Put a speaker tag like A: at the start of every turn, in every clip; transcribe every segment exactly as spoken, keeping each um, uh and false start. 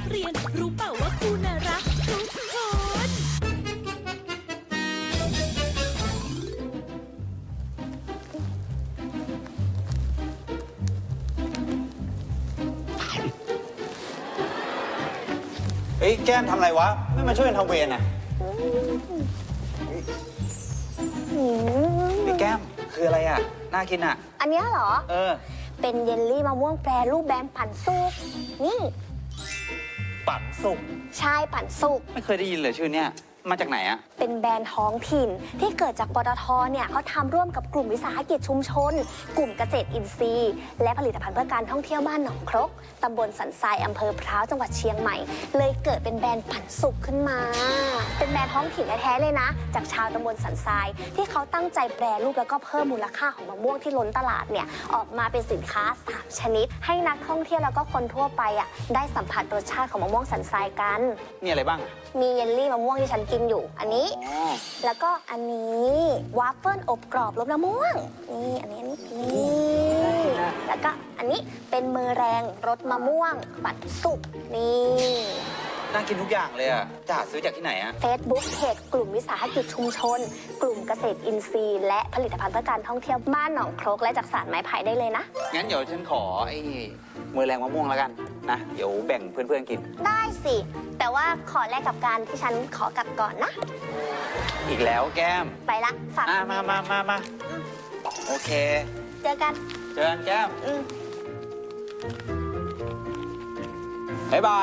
A: เรียน รู้เปล่าว่าครูน่ารักทุกคน
B: เฮ้ยแก้มทำอะไรวะ ไม่มาช่วยกันทำเวรอ่ะไอ้แก้มคืออะไรอ่ะ น่ากินอ่ะ
C: อันเนี้ยเหรอ
B: เออ
C: เป็นเยลลี่มะม่วงแปรรูปแบมปั่นสุก นี่
B: ปั่นสุก
C: ชายปั่นสุก
B: ไม่เคยได้ยินเลยชื่อเนี้ยมาจากไหนอ่ะ
C: เป็นแบรนด์ท้องถิ่นที่เกิดจากปตทเนี่ยเขาทำร่วมกับกลุ่มวิสาหกิจชุมชน กลุ่มเกษตรอินทรีย์ และผลิตภัณฑ์เพื่อการท่องเที่ยวบ้านหนองครกตำบลสันทรายอำเภอพร้าวจังหวัดเชียงใหม่ เลยเกิดเป็นแบรนด์ปั่นสุกขึ้นมา เป็นแบรนด์ท้องถิ่นแท้ๆเลยนะ จากชาวตำบลสันทรายที่เขาตั้งใจแปรรูปแล้วก็เพิ่มมูลค่าของมะม่วงที่ล้นตลาดเนี่ยออกมาเป็นสินค้าสามชนิด ให้นักท่องเที่ยวแล้วก็คนทั่วไปอ่ะได้สัมผัสรสชาติของมะม่วงสันทรายกัน
B: มีอะไรบ้าง
C: มีเยลลี่มะม่วงที่ฉันกินอยู่ อันนี้
B: อ๋อ
C: แล้วก็อันนี้วาฟเฟิลอบกรอบรสมะม่วง นี่อันนี้อันนี้นี่แล้วก็อันนี้เป็นมือแรงรสมะม่วงปัดสุกนี่
B: น่ากินทุกอย่างเลยอ่ะ จะหาซื้อจากที่ไหนอ่ะ
C: เฟซบุ๊กเพจกลุ่มวิสาหกิจชุมชน กลุ่มเกษตรอินทรีย์ และผลิตภัณฑ์เพื่อการท่องเที่ยวบ้านหนองครกและจากสารไม้ไผ่ได้เลยนะ
B: งั้นเดี๋ยวฉันขอไอ้มือแรงมะม่วงแล้วกันนะ เดี๋ยวแบ่งเพื่อนๆกิน
C: ได้สิ แต่ว่าขอแลกกับการที่ฉันขอกลับก่อนนะ
B: อีกแล้วแก้ม
C: ไปละฝาก
B: อ่ะมามามามาโอเค
C: เจอกัน
B: เจอกันแก้ม
C: อืม
B: บ๊ายบาย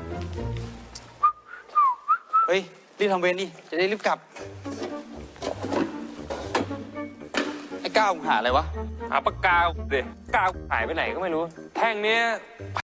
B: เฮ้ย รีบทำเวรดิ จะได้รีบกลับ ไอ้ก้าวมึงหาอะไรวะ
D: หาปากกาเด็กกาวหายไปไหนก็ไม่รู้ แท่งเนี้ย